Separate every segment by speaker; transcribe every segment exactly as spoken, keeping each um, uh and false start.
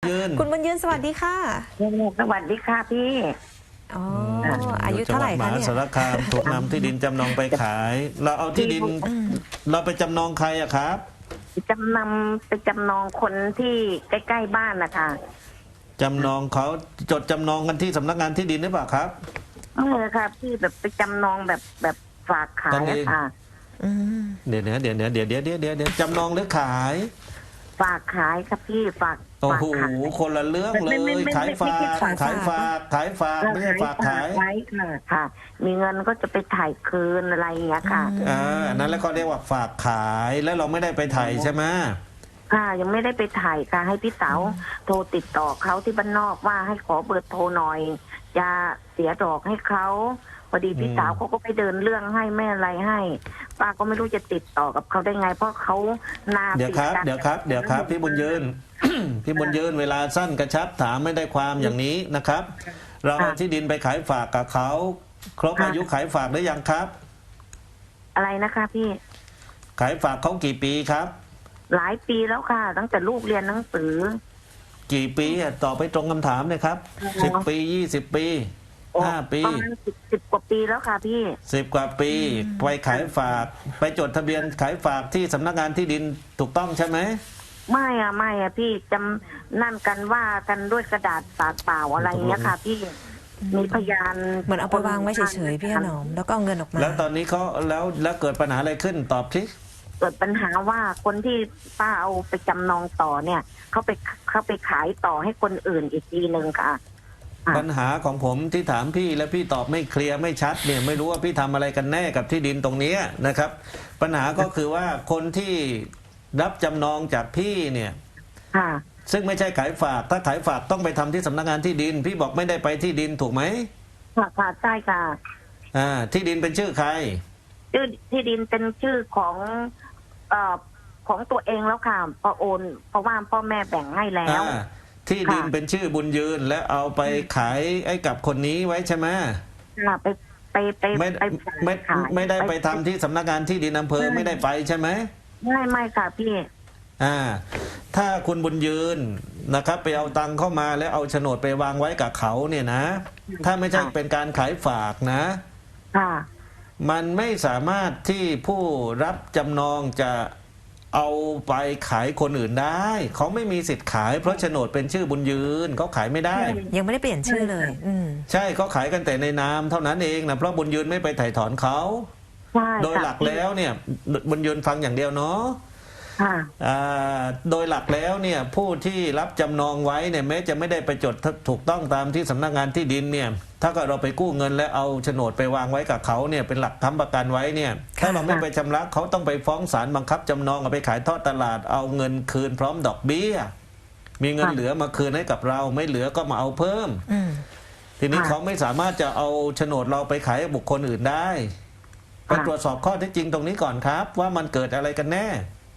Speaker 1: ยืน
Speaker 2: คุณบุญยืนสวัสดีค่ะ
Speaker 3: สวัสดีค่ะพี่
Speaker 2: อ๋ออายุเท่าไหร่คะเนี่ย
Speaker 1: จังหวัดมหาสารคามถูกนำที่ดินจำนองไปขายเราเอาที่ดินเราไปจำนองใครอะครับ
Speaker 3: จำนำไปจำนองคนที่ใกล้ๆบ้านนะคะ
Speaker 1: จำนองเขาจดจำนองกันที่สำนักงานที่ดินหรือเปล่าครับ
Speaker 3: ไม่ค่ะพี่แบบไปจำนองแบบแบบฝากขายค่ะ
Speaker 1: เดี๋ยวเดี๋ยวเดี๋ยวเดี๋ยวเดี๋ยวเดี๋ยวเดี๋ยวเดี๋ยวจำนองหรือขาย
Speaker 3: ฝากขายครับพี่ฝาก
Speaker 1: โอ้โหคนละเรื่องเลยขายฝากขายฝากขายฝากไม่ใช่ฝากขาย
Speaker 3: ค่ะมีเงินก็จะไปถ่ายคืนอะไรอย่างเงี้ยค่ะ
Speaker 1: อ่านั้นแล้วก็เรียกว่าฝากขายแล้วเราไม่ได้ไปถ่ายใช่ไหม
Speaker 3: ค่ะยังไม่ได้ไปถ่ายค่ะให้พี่เต๋าโทรติดต่อเขาที่บ้านนอกว่าให้ขอเบอร์โทรหน่อยจะเสียดอกให้เขาพอดีพี่สาวเขาก็ไปเดินเรื่องให้แม่อะไรให้ป้าก็ไม่รู้จะติดต่อกับเขาได้ไงเพราะเขานา
Speaker 1: เดี๋ยวครับเดี๋ยวครับเดี๋ยวครับพี่บุญยืนพี่บุญยืนเวลาสั้นกระชับถามไม่ได้ความอย่างนี้นะครับเราเอาที่ดินไปขายฝากกับเขาครบอายุขายฝากหรือยังครับ
Speaker 3: อะไรนะคะพี่
Speaker 1: ขายฝากเขากี่ปีครับ
Speaker 3: หลายปีแล้วค่ะตั้งแต่ลูกเรียนหนังสือ
Speaker 1: กี่ปีตอบไปตรงคำถามเลยครับสิบปียี่สิบปีห้าปี
Speaker 3: ประมาณสิบสิบกว่าปีแล้วค่ะพี่
Speaker 1: สิบกว่าปีไปขายฝากไปจดทะเบียนขายฝากที่สำนักงานที่ดินถูกต้องใช่ไหม
Speaker 3: ไม่อะไม่อะพี่จำนั่นกันว่ากันด้วยกระดาษปากเปล่าอะไรเงี้ยค่ะพี่มีพยาน
Speaker 2: เหมือนเอาไปวางไว้เฉยๆพี่ขนมแล้วก็เอาเงินออกมา
Speaker 1: แล้วตอนนี้เขาแล้วแล้วเกิดปัญหาอะไรขึ้นตอบที
Speaker 3: เกิดปัญหาว่าคนที่ป้าเอาไปจำนองต่อเนี่ยเขาไปเขาไปขายต่อให้คนอื่นอีกทีหนึ่งค่ะ
Speaker 1: ปัญหาของผมที่ถามพี่และพี่ตอบไม่เคลียร์ไม่ชัดเนี่ยไม่รู้ว่าพี่ทำอะไรกันแน่กับที่ดินตรงนี้นะครับปัญหาก็คือว่าคนที่รับจำนองจากพี่เนี่ยซึ่งไม่ใช่ขายฝากถ้าขายฝากต้องไปทำที่สำนักงานที่ดินพี่บอกไม่ได้ไปที่ดินถูกไหม
Speaker 3: ค่ะค่ะใช่ค่ะ
Speaker 1: อ่าที่ดินเป็นชื่อใคร
Speaker 3: ชื่อที่ดินเป็นชื่อของเอ่อของตัวเองแล้วค่ะพอโอนเพราะว่าพ่อแม่แบ่งให้แล้ว
Speaker 1: ที่ดินเป็นชื่อบุญยืนและเอาไปขายให้กับคนนี้ไว้ใช่ไหม
Speaker 3: ค่ะไปไปไป
Speaker 1: ไม่ไม่ไม่ได้ไปทำที่สำนักงานที่ดินอำเภอไม่ได้ไปใช่ไหม
Speaker 3: ไม่ไม่ค่ะพี่
Speaker 1: อ่าถ้าคุณบุญยืนนะครับไปเอาตังค์เข้ามาแล้วเอาโฉนดไปวางไว้กับเขาเนี่ยนะถ้าไม่ใช่เป็นการขายฝากนะ
Speaker 3: ค่ะ
Speaker 1: มันไม่สามารถที่ผู้รับจำนองจะเอาไปขายคนอื่นได้เขาไม่มีสิทธิ์ขายเพราะโฉนดเป็นชื่อบุญยืนเขาขายไม่ได้
Speaker 2: ยังไม่ได้เปลี่ยนชื่อเลยอืม
Speaker 1: ใช่เขาขายกันแต่ในนามเท่านั้นเองนะเพราะบุญยืนไม่ไปไถ่ถอนเขาโดยหลักแล้วเนี่ยบุญยืนฟังอย่างเดียวเนาะโดยหลักแล้วเนี่ยผู้ที่รับจำนองไว้เนี่ยแม้จะไม่ได้ไปจดถูกต้องตามที่สำนักงานที่ดินเนี่ยถ้าเกิดเราไปกู้เงินและเอาโฉนดไปวางไว้กับเขาเนี่ยเป็นหลักค้ำประกันไว้เนี่ยถ้าเราไม่ไปชำระเขาต้องไปฟ้องศาลบังคับจำนองเอาไปขายทอดตลาดเอาเงินคืนพร้อมดอกเบี้ยมีเงินเหลือมาคืนให้กับเราไม่เหลือก็มาเอาเพิ่มทีนี้เขาไม่สามารถจะเอาโฉนดเราไปขายให้บุคคลอื่นได้ไปตรวจสอบข้อเท็จจริงตรงนี้ก่อนครับว่ามันเกิดอะไรกันแน่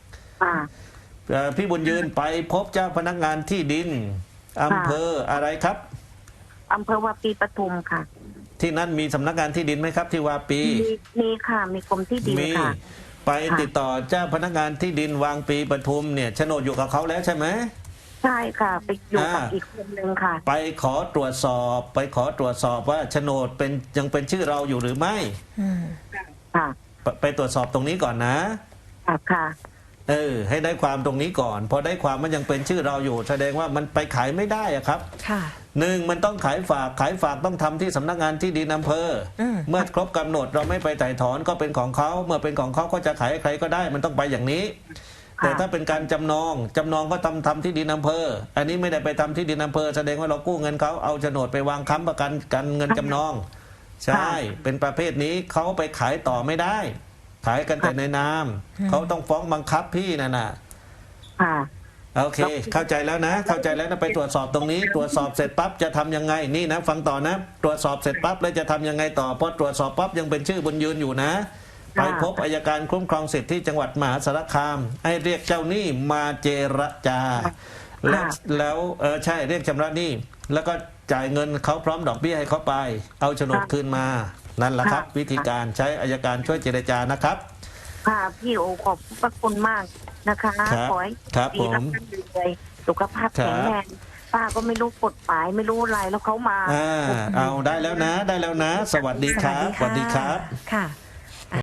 Speaker 1: พี่บุญยืนไปพบเจ้าพนักงานที่ดินอำเภออะไรครับ
Speaker 3: อำเภอวาปีปทุมค่ะ
Speaker 1: ที่นั่นมีสำนักงานที่ดินไหมครับที่วาปี
Speaker 3: มีค่ะมีกรมที่ดินค่ะ
Speaker 1: ไปติดต่อเจ้าพนักงานที่ดินวางปีปทุมเนี่ยโฉนดอยู่กับเขาแล้วใช่ไหม
Speaker 3: ใช่ค่ะไปอยู่กับอีกคนนึงค่ะ
Speaker 1: ไปขอตรวจสอบไปขอตรวจสอบว่าโฉนดเป็นยังเป็นชื่อเราอยู่หรือไม่
Speaker 3: ค่ะ
Speaker 1: ไปตรวจสอบตรงนี้ก่อนนะ
Speaker 3: ค่ะ
Speaker 1: เออให้ได้ความตรงนี้ก่อนพอได้ความมันยังเป็นชื่อเราอยู่แสดงว่ามันไปขายไม่ได้อะครับ
Speaker 2: ค่ะ
Speaker 1: หนึ่งมันต้องขายฝากขายฝากต้องทำที่สำนักงานที่ดินอำเภอเมื่อครบกำหนดเราไม่ไปไต่ถอนก็เป็นของเขาเมื่อเป็นของเขาก็จะขายใครก็ได้มันต้องไปอย่างนี้แต่ถ้าเป็นการจำนองจำนองก็ทำทำที่ดินอำเภออันนี้ไม่ได้ไปทำที่ดินอำเภอแสดงว่าเรากู้เงินเขาเอาโฉนดไปวางค้ำประกันกันเงินจำนองใช่เป็นประเภทนี้เขาไปขายต่อไม่ได้ขายกันแต่ในนามเขาต้องฟ้องบังคับพี่นั่นน่ะโอเคเข้าใจแล้วนะเข้าใจแล้วนะไปตรวจสอบตรงนี้ตรวจสอบเสร็จปั๊บจะทำยังไงนี่นะฟังต่อนะตรวจสอบเสร็จปั๊บแล้วจะทำยังไงต่อพอตรวจสอบปั๊บยังเป็นชื่อบุญยืนอยู่นะไปพบอัยการคุ้มครองสิทธิ์ที่จังหวัดมหาสารคามให้เรียกเจ้าหนี้มาเจรจาแล้วแล้วเออใช่เรียกชำระหนี้แล้วก็จ่ายเงินเขาพร้อมดอกเบี้ยให้เขาไปเอาโฉนดคืนมานั่นแหละครับวิธีการใช้อัยการช่วยเจรจานะครับ
Speaker 3: ค่ะพี่โอขอบพระคุณมากนะคะขอให้ดีรับกันเลยสุขภาพแข็งแรงป้าก็ไม่รู้กฎหมายไม่รู้อะไรแล้วเขามา
Speaker 1: อ่าเอาได้แล้วนะ ได้แล้วนะ สวัสดีครับ
Speaker 2: สวัสดีค่ะค่ะ